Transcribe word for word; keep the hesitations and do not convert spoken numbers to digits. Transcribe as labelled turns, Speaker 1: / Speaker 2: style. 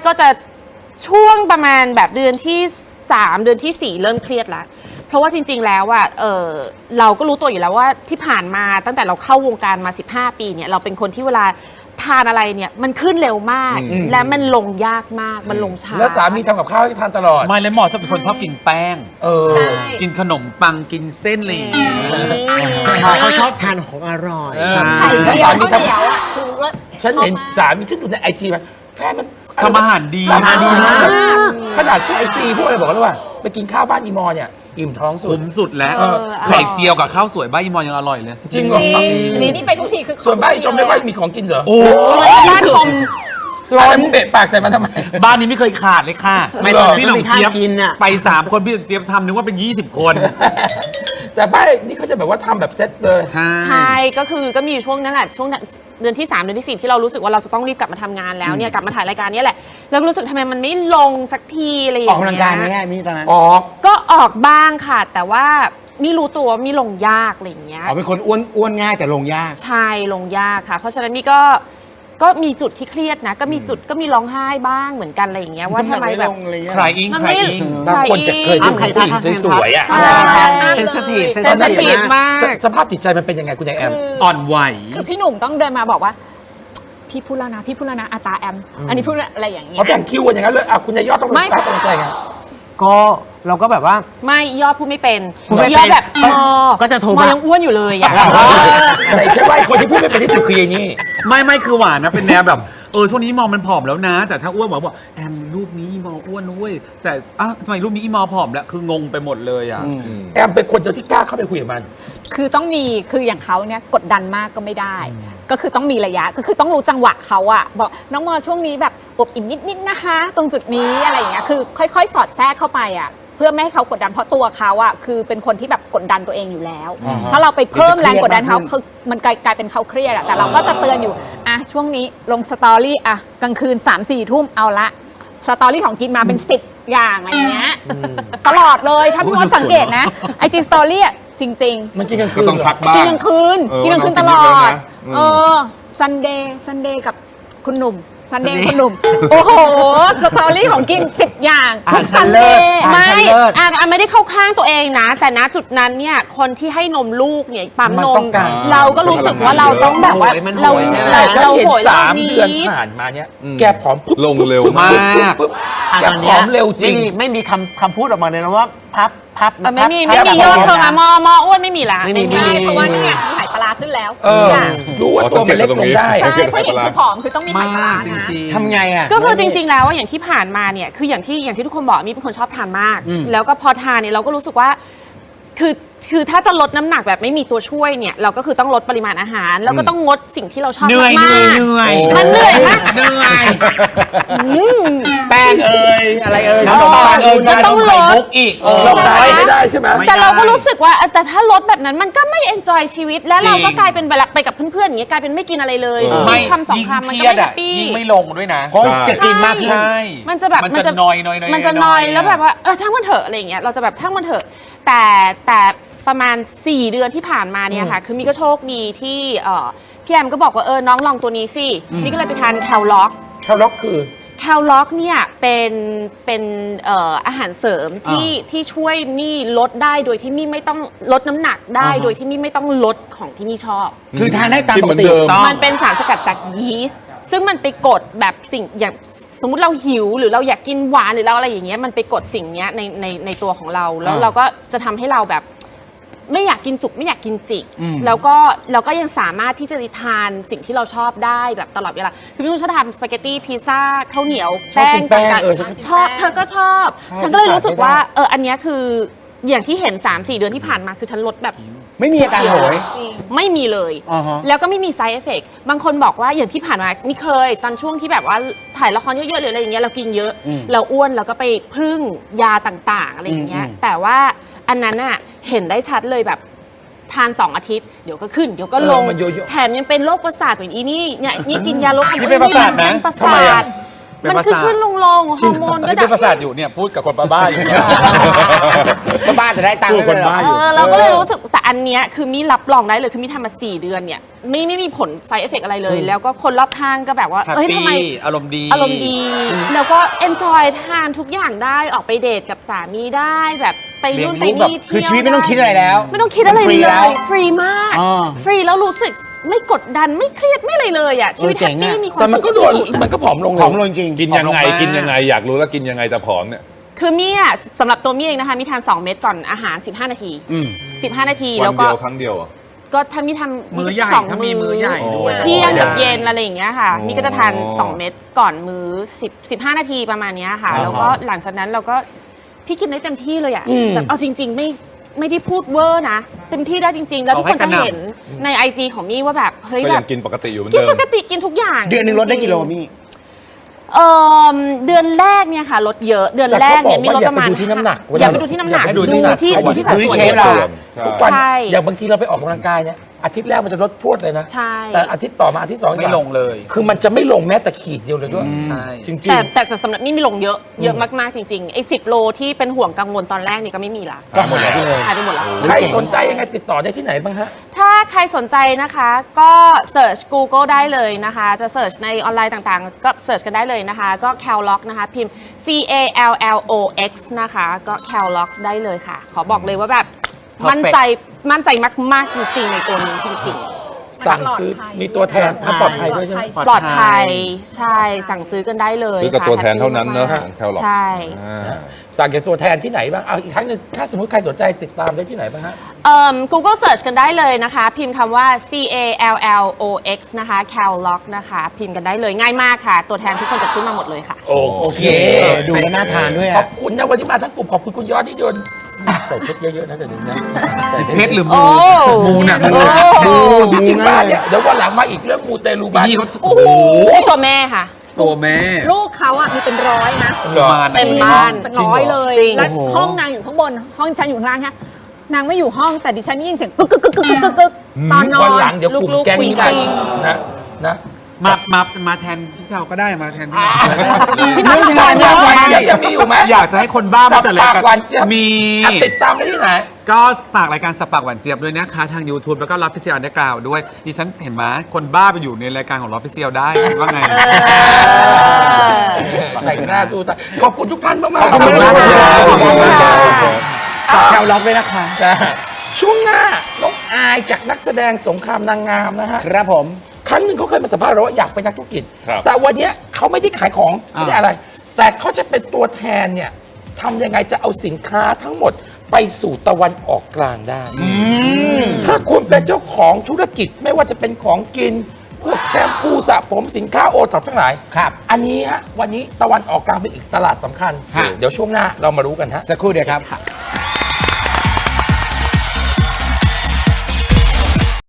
Speaker 1: ก็จะช่วงประมาณแบบเดือนที่สามเดือนที่สี่เริ่มเครียดละเพราะว่าจริงๆแล้วอ่ะเออเราก็รู้ตัวอยู่แล้วว่าที่ผ่านมาตั้งแต่เราเข้าวงการมาสิบห้าปีเนี่ยเราเป็นคนที่เวลาทานอะไรเนี่ยมันขึ้นเร็วมากและมันลงยากมากมันลงช้า
Speaker 2: แล้วสามีทำกับข้าวให้ทานตลอด
Speaker 3: ไม่เลยหมอชอบเป็นคนชอบกินแป้ง
Speaker 2: เออ
Speaker 3: กินขนมปังกินเส้นอะไรอย่างเงี้ย
Speaker 4: หมอเขาชอบทานของอร่อย
Speaker 3: ใช่
Speaker 2: แล้วสามีทำฉันเห็นสามีฉันดูในไอจีมันแฟนมัน
Speaker 3: ทำอาหารดี
Speaker 2: ทำอาหารดีมากขนาดพวกไอซีพวกอะไรบอกแล้วว่าไปกินข้าวบ้านอีมอเนี่ยอิ่มท้องสุด
Speaker 3: คุ้มสุดแล้วไข่เจียวกับข้าวสวยบ้านอีมอนยังอร่อยเลย
Speaker 2: จริงเหรอ
Speaker 5: นี่นี่ไปทุกทีคือ
Speaker 2: ส่วนบ้านอีชมไม่ค่อยมีของกินเหรอ
Speaker 3: โอ้
Speaker 1: บ้านชม
Speaker 2: ร้อนเบะปากใส่มันทำไม
Speaker 3: บ้านนี้ไม่เคยขาดเลยค่ะ
Speaker 4: ไม่
Speaker 3: ต้องพี่หนุ่มเจี๊ยบ
Speaker 4: กินอ่ะ
Speaker 3: ไปสามคนพี่หนุ่มเจี๊ยบทำนึกว่าเป็นยี่สิบคน
Speaker 2: แต่บ้านนี่เขาจะแบบว่าทำแบบเซ็ตเลย
Speaker 3: ใช่
Speaker 1: ใช่ก็คือก็มีช่วงนั้นแหละช่วงเดือนที่สามเดือนที่สี่ที่เรารู้สึกว่าเราจะต้องรีบกลับมาทำงานแล้วเนี่ยกลับมาถ่ายรายการนี้แหละแล้วรู้สึกทำไมมันไม่ลงสักทีอะไรอย่างเงี้ย
Speaker 4: ออกกำลังกายไหมมีตอนนั้น
Speaker 2: ออก
Speaker 1: ก็ออกบ้างค่ะแต่ว่าไม่รู้ตัวมีลงยากอะไรอย่างเงี้ย
Speaker 4: อ๋อเป็นคนอ้วนอ้วนง่ายแต่ลงยาก
Speaker 1: ใช่ลงยากค่ะเพราะฉะนั้นมีก็ก็มีจุดที่เครียดนะก็มีจุดก็มีร้องไห้บ้างเหมือนกันอะไรอย่างเงี้ยว่าทำไมแบบ
Speaker 3: ใครอิงใครอิง
Speaker 2: บางคนจะเคยเป็นผู้หญิงสวยๆอ่ะ
Speaker 4: เซนซิทีฟ
Speaker 1: เซนซิทีฟมาก
Speaker 2: สภาพจิตใจมันเป็นยังไงคุณยายแอม
Speaker 3: อ่อนไหว
Speaker 5: คือพี่หนุ่มต้องเดินมาบอกว่าพี่พูดแล้วนะพี่พูดแล้วนะอาตาแอมอันนี้พูดอะไรอย่างเงี้ย
Speaker 2: เขาแบ่งคิวกันอย่างนั้นเลยอ่ะคุณยายยอดต้องไม่กำลังใจไง
Speaker 4: ก็เราก็แบบว่า
Speaker 1: ไม่ยอดพูดไม่เป็น
Speaker 4: ยอ
Speaker 1: ดแบบมอ
Speaker 4: ก็จะโทร
Speaker 1: มายังอ้วนอยู่เลยอ่ะ
Speaker 2: แต่ใช่ว่าคนที่พูดไม่เป็นที่สุดคือไอ้นี่
Speaker 3: ไม่ไม่คือหวานนะเป็นแนวแบบเออช่วงนี้มอมันผอมแล้วนะแต่ถ้าอ้วนบอกบอกแอมรูปนี้มออ้วนนุ้ยแต่อ่ะทำไมรูปนี้มอผอมแล้วคืองงไปหมดเลยอ่ะ
Speaker 2: แอมเป็นคนเดียวที่กล้าเข้าไปคุยกับมัน
Speaker 5: คือต้องมีคืออย่างเขาเนี่ยกดดันมากก็ไม่ได้ก็คือต้องมีระยะก็คือต้องรู้จังหวะเขาอะบอกน้องมอช่วงนี้แบบอบอิ่มนิดๆนะคะตรงจุดนี้อะไรอย่างเงี้ยคือค่อยๆสอดแทรกเข้าไปอะเพื่อไม่ให้เขากดดันเพราะตัวเขาอะคือเป็นคนที่แบบกดดันตัวเองอยู่แล้วถ้าเราไปเพิ่มแรงกดดันเขาคือมันกลายเป็นเขาเครียดอะแต่เราก็จะเตือนอยู่อะช่วงนี้ลงสตอรี่อะกลางคืน สามสี่ ทุ่มเอาละสตอรี่ของกินมาเป็นสิบอย่างอะไรเงี้ยตลอดเลยถ้าพี่มดสังเกตนะไอจีสตอรี่อะจริง
Speaker 2: ๆมันกินกลางคืน
Speaker 6: ก็ต้องพักบ้าง
Speaker 5: กินกลางคืนกินกลางคืนตลอดเออซันเดย์ซันเดย์กับคุณหนุ่มซันเดย์คุณหนุ่มโอ้โหสตอรี่ของกินสิบอย่างทุกซันเดย์
Speaker 1: ไม่อ่านไม่ได้เข้าข้างตัวเองนะแต่ณจุดนั้นเนี่ยคนที่ให้นมลูกเนี่ยปั๊มนมเราก็รู้สึกว่าเราต้องแบบว่าเรา
Speaker 2: เราเห็นสามเดือนผ่านมาเนี่ยแกผอม
Speaker 6: ลงเร็วมาก
Speaker 2: แกผอมเร็วจริง
Speaker 4: ไม่มีคำคำพูดออกมาเลยนะว่าพับพับ
Speaker 1: ไม่มีไม่มียอดเธอมามอมออ้วนไม่มีละ
Speaker 5: ไม่มีเพราะว่านี่ไงมีหายปลาขึ้นแล้ว
Speaker 2: รู้ว่าตัวมันเล็กลงได้
Speaker 5: ใช่ผู้หญิงคือผอมคือต้องมีหายปลานะ
Speaker 4: ทำไงอ่ะ
Speaker 1: ก็คือจริงๆแล้วว่าอย่างที่ผ่านมาเนี่ยคืออย่างที่อย่างที่ทุกคนบอกมีเป็นคนชอบทานมากแล้วก็พอทานเนี่ยเราก็รู้สึกว่าคือคือถ้าจะลดน้ำหนักแบบไม่มีตัวช่วยเนี่ยเราก็คือต้องลดปริมาณอาหารแล้วก็ต้องงดสิ่งที่เราชอบมาก
Speaker 3: เหนื่อย
Speaker 1: มันเหนื่อยมาก
Speaker 3: เหนื่อย
Speaker 4: แป้งเอ่ยอะไรเอ่ย
Speaker 3: น้ำตาลเอ่ยต้องลดอีก
Speaker 2: เราได้ไม่ได้ใช่ไหม
Speaker 1: แต่เราก็รู้สึกว่าแต่ถ้าลดแบบนั้นมันก็ไม่เอนจอยชีวิตแล้วเราก็กลายเป็นแบบไปกับเพื่อนๆอย่างเงี้ยกลายเป็นไม่กินอะไรเลยคำสองคำมันก็ไม่แฮปปี้
Speaker 3: ยิ่งไม่ลงด้วยนะ
Speaker 4: จะกินมาก
Speaker 3: ใช่
Speaker 1: มันจะแบบ
Speaker 3: มันจะนอยนอย
Speaker 1: มันจะนอยแล้วแบบว่าเออช่างมันเถอะอะไรอย่างเงี้ยเราจะแบบช่างมันเถอะแต่แต่ประมาณสี่เดือนที่ผ่านมาเนี่ยค่ะคือมีก็โชคดีที่พี่แอมก็บอกว่าเออน้องลองตัวนี้สินี่ก็เลยไปทานแคลล็อก
Speaker 2: แคลล็อกคือ
Speaker 1: แคลล็อกเนี่ยเป็นเป็นอาหารเสริมที่ที่ช่วยมี่ลดได้โดยที่มี่ไม่ต้องลดน้ำหนักได้โดยที่มี่ไม่ต้องลดของที่มี่ชอบ
Speaker 4: คือทานได้ตามปกติ
Speaker 1: มันเป็นสารสกัดจากยีสต์ซึ่งมันไปกดแบบสิ่งอย่างสมมุติเราหิวหรือเราอยากกินหวานหรือเราอะไรอย่างเงี้ยมันไปกดสิ่งนี้ในในในตัวของเราแล้วเราก็จะทำให้เราแบบไม่อยากกินจุกไม่อยากกินจิกแล้วก็เราก็ยังสามารถที่จะทานสิ่งที่เราชอบได้แบบตลอดเวลาคือพี่นุ่นชอบทำสปาเกตตี้พิซซ่าข้าวเหนียวแป้งต่างๆชอบเธอก็ชอบฉันก็เลยรู้สึกว่าเอออันนี้คืออย่างที่เห็น สามสี่ เดือนที่ผ่านมาคือฉันลดแบบ
Speaker 4: ไม่มีอาการโหย
Speaker 1: ไม่มีเลยแล้วก็ไม่มี side effect บางคนบอกว่าอย่างที่ผ่านมานี่เคยตอนช่วงที่แบบว่าถ่ายละครเยอะๆหรืออะไรอย่างเงี้ยเรากินเยอะเราอ้วนเราก็ไปพึ่งยาต่างๆอะไรอย่างเงี้ยแต่ว่าอันนั้นอะเห็นได้ชัดเลยแบบทานสองอาทิตย์เดี๋ยวก็ขึ้นเดี๋ยวก็ลงแถมยังเป็นโรคประสาทอย่างอีนี่เนี่ยนี่กินยาลดความอ้วน
Speaker 3: นี่เป็นประสาทนะ
Speaker 1: ประสาท
Speaker 3: เป็น
Speaker 1: มัน
Speaker 3: ประ
Speaker 1: คือ
Speaker 3: สาท
Speaker 1: ขึ้นลงลงฮอร์โมน
Speaker 3: อัน
Speaker 1: ก็
Speaker 3: นี้เป็นประสาทอยู่เนี่ยพูดกับคนบ้าๆอยู่เนี่ย
Speaker 4: ก็บ้านจะได้ตังค์
Speaker 3: พูดคนบ้า
Speaker 1: เออเราก็เลยรู้สึกแต่อันเนี้ยคือมีรับรองได้เลยคือมีทำมาสี่เดือนเนี่ยไม่ไม่มีผล side effect อะไรเลย แล้วก็คนรอบข้างก็แบบว่า
Speaker 3: แฮป
Speaker 1: เอ้ยทำไม
Speaker 3: ปี้อารมณ์ดี
Speaker 1: อารมณ์ดี แล้วก็ enjoy ทานทุกอย่างได้ออกไปเดทกับสามีได้แบบไปนู่นไป
Speaker 3: เลี้ยงลูก
Speaker 1: นี่
Speaker 3: แบบ
Speaker 1: เที่ยว
Speaker 4: คือชีวิตไม่ต้องคิดอะไรแล้ว
Speaker 1: ไม่ต้องคิดอะไร
Speaker 4: ฟรี
Speaker 1: เล
Speaker 4: แล้ว
Speaker 1: ยฟรีมาก
Speaker 4: อ่า
Speaker 1: ฟรีแล้วรู้สึกไม่กดดันไม่เครียดไม่อะไรเลยอ่ะชีวิต
Speaker 4: เออเจ๋
Speaker 1: แฮป
Speaker 4: ง
Speaker 1: ปี้
Speaker 4: อะ
Speaker 1: มีความ
Speaker 2: แต่มันก็โดน
Speaker 1: สุข
Speaker 2: มันก็ผอมลง
Speaker 4: ผอมลงจริง
Speaker 6: กินยังไง
Speaker 3: ผอมลงมาก
Speaker 6: กินยังไงอยากรู้แล้วกินยังไงแต่ผอมเนี่ย
Speaker 1: คือมี่อ่ะสำหรับตัวมี่เองนะคะมีทานสองเม็ดก่อนอาหารสิบห้านาที
Speaker 4: อืม
Speaker 1: สิบห้านาที
Speaker 6: วั
Speaker 1: แล้ว
Speaker 6: น
Speaker 1: ก็
Speaker 6: เดียวครั้งเดียวเหรอ
Speaker 1: ก็ถ้ามีทำ
Speaker 3: มื้อใหญ่
Speaker 1: สอง
Speaker 3: ถ้ามีมื้อใหญ่ด้วย
Speaker 1: เที่ยงกับ
Speaker 3: มื้อใหญ่
Speaker 1: เย็นอะไรอย่างเงี้ยค่ะ
Speaker 6: อ๋อ
Speaker 1: มี่ก็จะทานสองเม็ดก่อนมื้อสิบ สิบห้านาทีประมาณเนี้ยค่ะ
Speaker 4: อ่าฮะ
Speaker 1: แล้วก็หลังจากนั้นเราก็พี่กินได้เต็มที่เลยอ่ะ
Speaker 2: อืม
Speaker 1: แต่เอาจริง ๆ ไม่ไม่ได้พูดเวอร์นะเต็มที่ได้จริง ๆ แล้วทุกคนจะเห็นใน ไอ จี ของมี่ว่าแบบเฮ้ย
Speaker 6: ก็
Speaker 1: แบ
Speaker 6: ยั
Speaker 1: บ
Speaker 6: งกินปกติอยู่เหมือน
Speaker 1: กิน
Speaker 6: เดิ
Speaker 1: ป
Speaker 6: ม
Speaker 1: กติกินทุกอย่าง
Speaker 4: เดือนหนึ่งลดได้กิโลมี่
Speaker 1: เออเดือนแรกเนี่ยค่ะลดเยอะเดือนแรกเนี่ยมีลดประมาณ
Speaker 2: แต่เขาบอกว่าอย่าไปดูที่น้ำหนัก
Speaker 1: อย่าไปดูที่น้ำหนัก
Speaker 2: อย่าไปดู
Speaker 1: ดู
Speaker 2: ที่
Speaker 1: ที่
Speaker 2: น้ำหนัก
Speaker 1: ดูที่สัด
Speaker 4: ดูที่
Speaker 1: ส่วน
Speaker 4: เชฟ
Speaker 1: เรา
Speaker 4: เรา
Speaker 6: ใช่
Speaker 2: ทุกวัน
Speaker 1: ใช่
Speaker 2: อย่างบางทีเราไปออกกำลังกายเนี่ยอาทิตย์แรกมันจะลดพรวดเลยนะ
Speaker 1: ใช่
Speaker 2: แต่อาทิตย์ต่อมาอาทิตย์สอง
Speaker 3: ไม่ลงเลย
Speaker 2: คือมันจะไม่ลงแม้แต่ขีดเดียวเลยด้วย
Speaker 3: ใช่
Speaker 2: จริง
Speaker 1: แต่แต่สำหรับมี่มีลงเยอะเยอะมากๆจริงๆไอ้สิบโลที่เป็นห่วงกังวลตอนแรกนี่ก็ไม่มีละ
Speaker 4: ก็หมดแล้วเลย
Speaker 1: หายไปหมดแล้ว
Speaker 2: ๆ ใครสนใจยังไงติดต่อได้ที่ไหนบ้างฮะ
Speaker 1: ถ้าใครสนใจนะคะก็เ e ิร์ช Google ได้เลยนะคะ จะเ e ิร์ชในออนไลน์ต่างๆ ก็เ e ิร์ชกันได้เลยนะคะ ก็ Callox นะคะ พิมพ์ C A L L O X นะคะ ก็ Callox ได้เลยค่ะ ขอบอกเลยว่าแบบ
Speaker 3: Perfect
Speaker 1: มั่นใจมั่นใจมากๆจริงๆในตัวนี้จริง
Speaker 2: สั่งซื้อมีตัวแทนถ้าปลอดภัยด้วยใช่ไหม
Speaker 1: ๆ ปลอดภัยใช่สั่งซื้อกันได้เลย
Speaker 6: ซื้อกับ
Speaker 1: ค่ะ
Speaker 6: ตัวแทนเท่านั้นเนอะ
Speaker 1: แฮป
Speaker 6: ของ
Speaker 1: ปี้
Speaker 6: Callox
Speaker 1: ใช่
Speaker 6: อ่า
Speaker 2: สั่งจากตัวแทนที่ไหนบ้างเอาอีกครั้งหนึ่งถ้าสมมติใครสนใจติดตามได้ที่ไหนบ้างฮะ
Speaker 1: เอ่อ Google Search กันได้เลยนะคะ พิมพ์คำว่า C A L L O X นะคะ Callox นะคะ พิมพ์กันได้เลยง่ายมากค่ะ ตัวแทนทุกคนจะขึ้นมาหมดเลยค่ะ
Speaker 2: โอเค
Speaker 4: เออดูแล้วน่าทานด้วย
Speaker 2: ขอ
Speaker 4: อะ
Speaker 2: บคุณนะวันนี้มาทั้งกลุ่มขอบคุณคุณยอดที่โยนใส่เพชรเยอะๆนะเดี๋ยวนี้นะใส่
Speaker 3: เพชรหรือ
Speaker 1: โอ้
Speaker 3: มูมูน่ะมู
Speaker 1: โอ้
Speaker 2: จริงๆบ้านเนี่ยเดี๋ยววันหลังมาอีกเรื่องมูเตลูบ้าน
Speaker 3: นี่เขา
Speaker 1: โอ้โหตัวแม่ค่ะ
Speaker 3: ตัวแม่
Speaker 5: ลูกเขาอ่ะมีเป็นร้อยนะ
Speaker 3: ประมาณ
Speaker 1: เต็มบ้าน
Speaker 5: เป็นร้อยเลย
Speaker 1: จริง
Speaker 5: แล้วห้องนางอยู่ข้างบน ห้องฉันอยู่ข้างล่างฮะนางไม่อยู่ห้องแต่ดิฉันได้ยินเสียงกึกกึกกึกกึกกึกกึกตอนนอ
Speaker 2: วัน
Speaker 5: น
Speaker 2: หลังเดี๋ยวกลุ่ม
Speaker 1: ลูกๆ
Speaker 2: แก๊ง
Speaker 1: คุย
Speaker 2: นี้
Speaker 1: กั
Speaker 2: มาน นะนะ
Speaker 3: มามามาแทนพี่เชาก็ได้มาแทนพี่น้อง
Speaker 2: พี่น้องชายเนี่ยวันเจี๊ยบจะมีอยู่ไหม
Speaker 3: อยากจะให้คนบ้ามาจัดราย
Speaker 2: สับปากหวา
Speaker 3: การ
Speaker 2: นเจี๊ยบ
Speaker 3: มี
Speaker 2: อ่ะติดตามได้ที่ไหน
Speaker 3: ก็ฝากรายการสบปากหวานเจี๊ยบด้วยนะคะทาง YouTube แล้วก็รับฟิเซียลอันเดอร์กราวด้วยดิฉันเห็นไหมคนบ้าไปอยู่ในรายการของรับฟิเซียลได้ว่าไง
Speaker 2: ใส่หน้าสู้ตายขอบคุณทุกท่านมากๆ
Speaker 3: ขอบคุณมาก
Speaker 1: ขอบคุณค่ะ
Speaker 4: ฝากแคลล็อกด้วยนะคะ
Speaker 2: จ้ะช่วงหน้าน้องอายจากนักแสดงสงครามนางงามนะฮะ
Speaker 4: ครับผม
Speaker 2: ครั้งหนึ่งเขาเคยมาสัมภาษณ์เราว่าอยากเป็นนักธุรกิจ
Speaker 6: ครับ
Speaker 2: แต่วันเนี้ยเขาไม่ได้ขายของ
Speaker 4: อ่า
Speaker 2: ไม่ได้อะไร แต่เขาจะเป็นตัวแทนเนี่ยทำยังไงจะเอาสินค้าทั้งหมดไปสู่ตะวันออกกลางได้ ถ้าคุณเป็นเจ้าของธุรกิจไม่ว่าจะเป็นของกิน พวกแชมพูสระผมสินค้าโอท็อปทั้งหลาย
Speaker 4: ครับ
Speaker 2: อันนี้ฮะวันนี้ตะวันออกกลางเป็นอีกตลาดสำคัญ
Speaker 4: ฮะ
Speaker 2: เดี๋ยวช่วงหน้าเรามารู้กันฮะ
Speaker 4: สักครู่เดียวครับ